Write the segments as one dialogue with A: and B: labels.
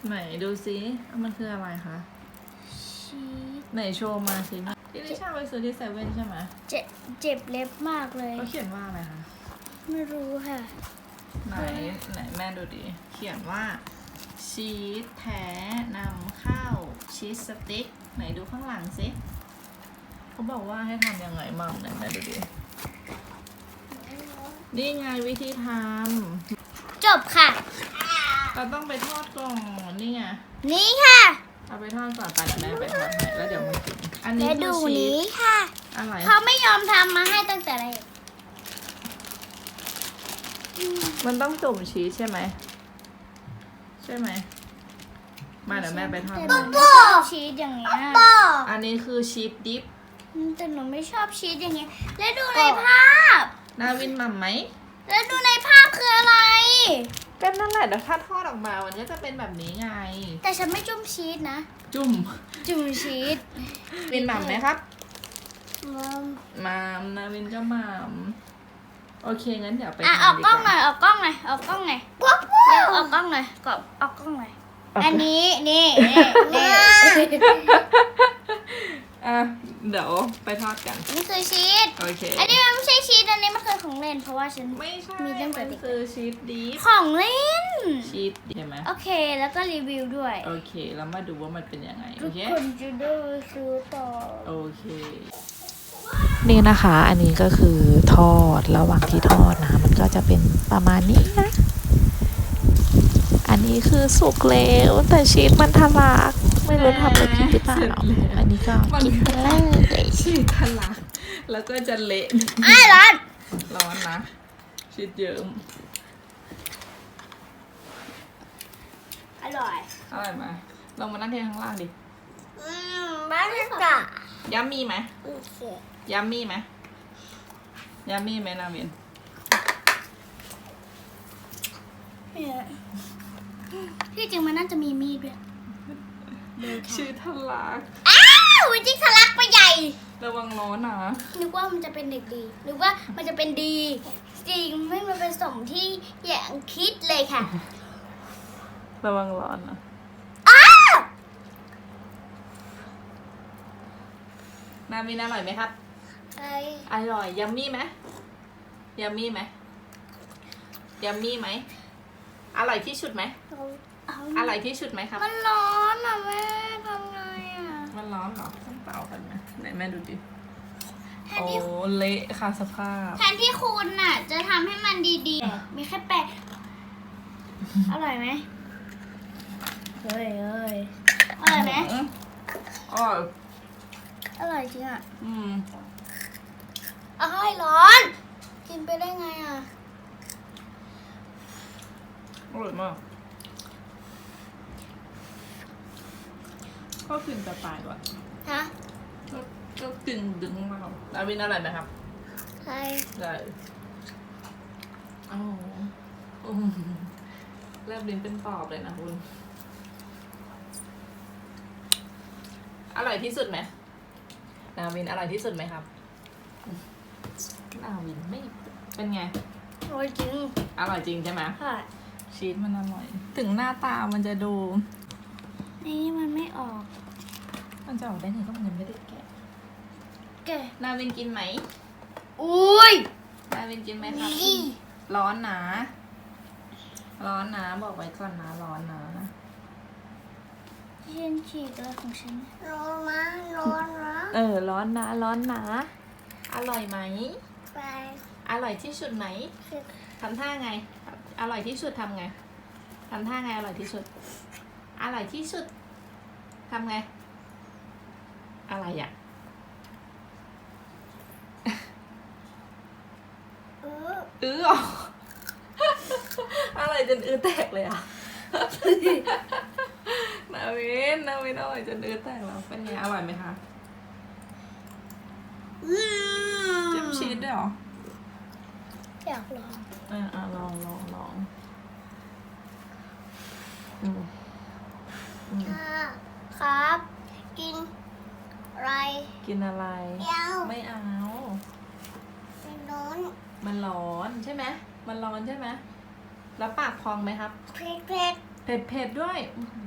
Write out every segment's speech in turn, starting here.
A: ไหนดูซิมันคืออะไรคะ
B: ชีส
A: ไหนโชว์มาสิที่ลิชาไปซื้อที่เซเว่นใช่ไหม
B: เจ็บเล็บมากเลย
A: เขาเขียนว่าอะไรคะ
B: ไม่รู้ค่ะ
A: ไหนแม่ดูดิเขียนว่าชีสแท้นำเข้าชีสสติ๊กไหนดูข้างหลังสิเขาบอกว่าให้ทำยังไงมั่งไหนแม่ดูดินี่ไงวิธีท
B: ำจบค่ะ
A: เราต้องไปทอดก่อนนี่ไง
B: นี่ค่ะ
A: เอาไปทอดก่อนไปเดี๋ยวแม่ไปทอดให้แล้วเดี๋ยวมากินอันนี้
B: คือชีสนี้
A: ค่ะอะไร
B: เขาไม่ยอมทำมาให้ตั้งแต่แรก
A: มันต้องจุ่มชีสใช่ไหมใช่ไหมมาเดี๋ยวแม่ไปทอด
B: แต่หนูไม่ชอบชีสอย่างเงี้ย
A: อันนี้คือชีสดิฟ
B: แต่หนูไม่ชอบชีสอย่างเงี้ยแล้วดูในภาพ
A: นาวินหม่ำไหม
B: แล้วดูในภาพคืออะไร
A: ก็นั่นแหละแต่ถ้าทอดออกมามันก็จะเป็นแบบนี้ไง
B: แต่ฉันไม่จุ่มชีสนะ
A: จุ่ม
B: ชีส
A: วินหม่ำไหมครับหม่ำนาวินก็หม่ำโอเคงั้นเดี๋ยวไป
B: ออกกล้องหน่อยออกกล้องหน่อยเร็วออกกล้องหน่อยกรอบออกกล้องหน่อยอันนี้นี่
A: เดี๋ยวไปทอดกัน
B: นี่คือชีส
A: โอเค
B: อันนี้มันไม่ใช่ชีสอันนี้มันคือของเล่นเพราะว่าฉัน
A: ไม่ใช่
B: มีตั้งแต่
A: เด็กคือชีสดิฟ
B: ของเล่น
A: ชีสใช่ไหม
B: โอเคแล้วก็รีวิวด้วย
A: โอเคแล้วมาดูว่ามันเป็นยังไงโอเค
B: คนจะได้ซื้อต่อ
A: โอเคนี่นะคะอันนี้ก็คือทอดระหว่างที่ทอดนะมันก็จะเป็นประมาณนี้นะอันนี้คือสุกแล้วแต่ชีสมันทะลักไม่รู้ทำอะไรผิดหรือเปล่าอันนี้ก็กินเลยชีสทะลักแล้วก็จะเละ
B: ร้อน
A: นะชีสเยิ้ม
B: อร่อย
A: ไหมลองมานั่งที่ข้างล่างดิ
B: บ้านจ้ะ
A: ยัมมี่ไหมยัมมี่ไหมนาเวียน
B: ที่จริงมันน่าจะมีมีดด้วย
A: ชื่อทะลัก
B: วิจิทะลักไปใหญ่
A: ระวังร้อนนะ
B: นึกว่ามันจะเป็นเด็กดีนึกว่ามันจะเป็นดีจริงไม่มาเป็นสมที่อย่างคิดเลยค่ะ
A: ระวังร้อนนะนาวินอร่อยไหมครับอร่อยยัมมี่ไหมอร่อยที่สุดไหมอร่อยที่สุดไหมครับ
B: มันร้อนอ่ะแม่ทำไงอ่ะ
A: มันร้อนเหรอต้องเป่ากันไหมไหนแม่ดูดิโอ้เละค่ะสภาพ
B: แทนที่คุณน่ะจะทำให้มันดีๆมีแค่แปะอร่อยไหมเฮ้ยอร่อยไหมอร่อยจริงอ่ะร้อนกินไปได้ไงอ่ะ
A: อร่อยมากก็กินจะตายว่ะก็กินดึงมากนาวินอร่อยไหมครับ
B: ใช่
A: แลบลิ้นเป็นปอบเลยนะคุณอร่อยที่สุดไหมนาวินอร่อยที่สุดไหมครับนาวินไม่เป็นไง
B: อร่อยจริง
A: ใช่ไหม
B: ค่ะ
A: ชีสมันอร่อยถึงหน้าตามันจะดู
B: นี่มันไม่ออก
A: มันจะออกได้ไงก็มันยังไม่ได้แกะนาวินกินไหมนาวินกินไหมครับร้อนนะบอกไว้ก่อนนะร้อนนะ
B: ฉันฉีกเลยของฉันร้อนนะ
A: ร้อนนะอร่อยไหมอร่อยที่สุดไหมทำท่าไงอร่อยที่สุดทำไงทำท่าไงอร่อยที่สุดทำไงอะไรอ่ะอะไรจนแตกเลยอ่ะนาวินอร่อยจนแตกแล้วเป็นไงอร่อยไหมคะจิ้มชีสด้วยเหรอ
B: อยากลอง
A: ลอง
B: ครับกินอะไรไม่เอา
A: มันร้อนใช่ไหมแล้วปากพองไหมครับ
B: เผ็ด
A: เผ็ดด้วย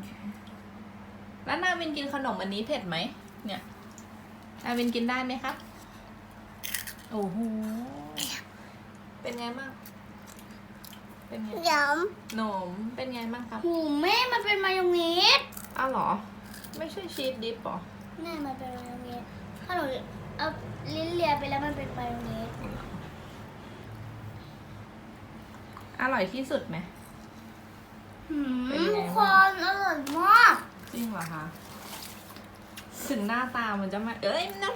A: แล้วนาวินกินขนมอันนี้เผ็ดไหมเนี่ยนาวินกินได้ไหมครับโอ้โหเป็นไงบ้างเป็นไง
B: ย
A: หนมเป็นไงบ้างครับ
B: ำหูแม่มันเป็นมายองเนส
A: อ้าวเหรอไม่ใช่ชีสดิปหรอ
B: แม่มันเป็นมายองเนสถ้าหนูเอาลิ้นเลียไปแล้วมันเป็นมายองเนส
A: อร่อยที่สุดไหม เป็นไง
B: ทุ
A: บ้าง
B: กคนอร่อยมาก
A: จริงเหรอคะถึงหน้าตามันจะไม่เอ้ยร้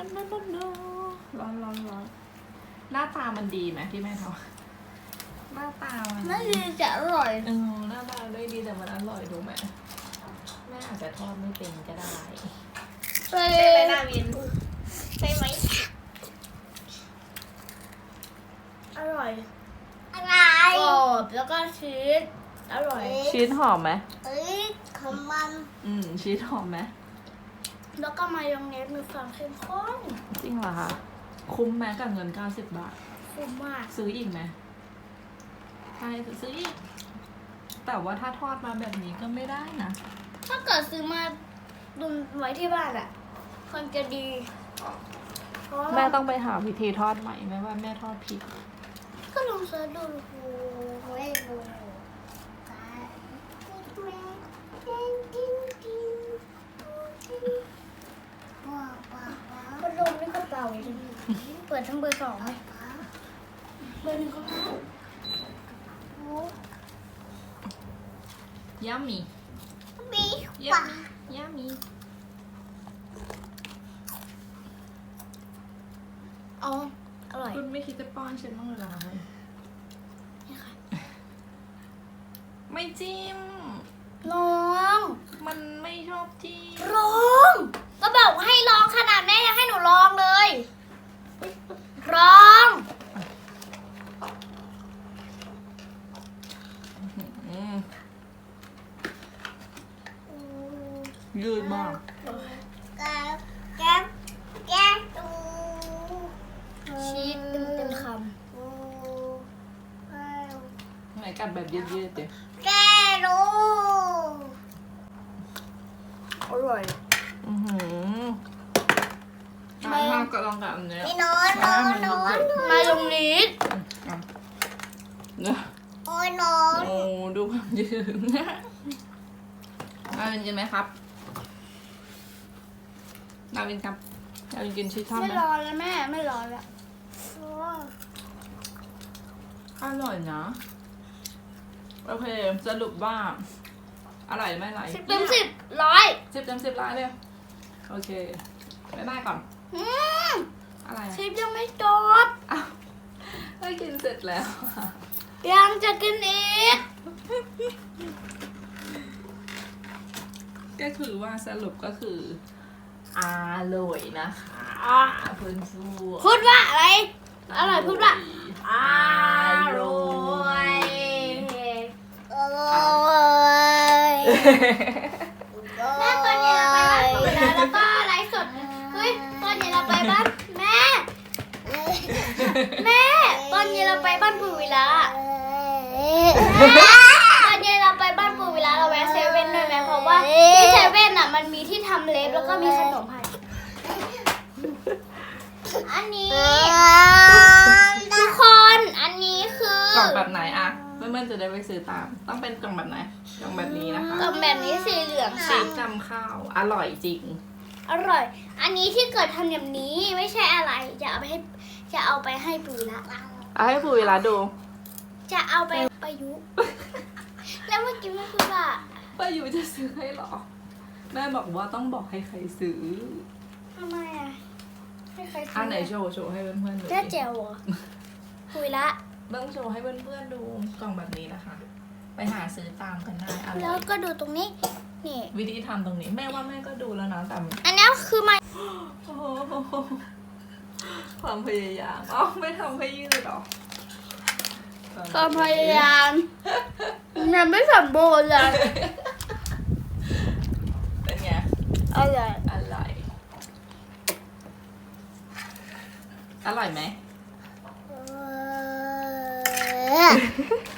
A: อนหน้าตามันดีไหมที่แม่ทำหน้าตามัน
B: น่าจะอร่อย
A: หน้าตาได้ดีแต่มันอร่อยถูกไหมแม่อาจจะทอดไม่เป็นก็ได้
B: ใช่
A: ใช่ไหมนาวินใช่ไหม
B: อร่อยกรอบแล้วก็ชีสอร่อย
A: ชีสหอมไหม
B: ของมัน
A: ชีสหอมไหม
B: แล้วก็มายองเนสมีความเข้มข้น
A: จริงเหรอคะคุ้มไหมกับเงิน90 บาท
B: คุ้มมาก
A: ซื้ออีกไหมใช่ซื้ออีกแต่ว่าถ้าทอดมาแบบนี้ก็ไม่ได้นะ
B: ถ้าเกิดซื้อมาดุนไว้ที่บ้านอ่ะคนจะดีเพราะว่า
A: แม่ต้องไปหาวิธีทอดใหม่แม่ว่าแม่ทอดผิด
B: ก็ลองเสิร์ชดูไม่ดูพัดลมนี่ก็เป่าจริงเปิดทั้งเบอร์สองไหมเบอร์หนึ่งก็ได้
A: ยามี
B: บี
A: ยามียามี
B: อ๋ออร่อย
A: คุณไม่คิดจะป้อนฉันบ้างเลยเหรอคะ
B: นี่ค่ะ
A: ไม่จิ้ม
B: ลอง
A: มันไม่ชอบจิ้ม
B: ลองก็บอกให้ลองขนาดแม่ยังให้หนูลองเลยลอง
A: ยืดมาก
B: ชีสเต็มค
A: ไหนกัดแบบยืดๆเดี๋ยว
B: ำอร่อย
A: ถ้าก็ลองกับอันเนี้ย
B: มายองเนส
A: เนี่ยโอ้ดูความยืดนาวินกินไหมครับนาวินครับนาวินกินชีสทอด
B: ไม่
A: ไหม
B: รอแล้วแม่ไม่รอแล้ว
A: อร่อยนะโอเคสรุปว่าอร่อยไม่อร่อย
B: 10 เต็ม 10 ร้อย
A: 10 เต็ม 10ล้านเลยโอเคบ๊ายบายก่อนอะไร
B: ชิปยังไม่จบ
A: อ้าวได้กินเสร็จแล้ว
B: ยังจะกินอีก
A: ก็คือว่าสรุปก็คืออร่อยนะคะเพื่อนสู้
B: พูดว่าอะไร อร่อยพูดว่าอร่อย แม่ตอนนี้เราไปบ้านปู่วิลาแล้วก็ไลฟ์สดเฮ้ยตอนนี้เราไปบ้านแม่ แม่ตอนนี้เราไปบ้านปู่วิลาตอนนี้เราไปบ้านปู่วิลาเราแวะเซเว่นด้วยไหมเพราะว่าที่เซเว่นอ่ะมันมีที่ทำเล็บแล้วก็มีขนมให้อันนี้ทุกคนอันนี้คือก
A: ล่องแบบไหนอะเพื่อนๆจะได้ไปซื้อตาม ต้องเป็นกล่องแบบไหนกล่องแบบนี้นะคะ
B: กล่องแบบนี้สีเหลือง
A: ชี
B: ค่ะ
A: สจำข้าวอร่อยจริง
B: อร่อย อันนี้ที่เกิดทำแบบนี้ไม่ใช่อะไรจะเอาไปให้ปู่วิลา
A: เอาให้ผู้เวลาดู
B: จะเอาไปประยุกต์ แล้วเมื่อกี้แม่พูดว่า
A: ป้าอยู่จะซื้อให้เหรอ แม่บอกว่าต้องบอกให้ใครซื้อ
B: ทำไมอ่ะให้ใครซื้
A: อันไหนโชว์ให้เพื่อนๆดู
B: แม่แจ๋วเหรอคุยละ
A: ต้องโชว์ให้เพื่อนๆดูกล่องแบบนี้นะคะ ไปหาซื้อตามกันได้อ
B: แล้
A: ร่
B: ว
A: อย
B: ก็ดูตรงนี้ นี่
A: วิธีทำตรงนี้แม่ว่าแม่ก็ดูแล้วนะแต่
B: อันนี้คือมา
A: โอ้โหความพยายามอ๋อไม่ทำให้ยืดหรอ
B: ความพยายามยังไม่สมบูรณ์เลย
A: เป็นไง
B: อร่อย
A: อร่อย อร่อยไหม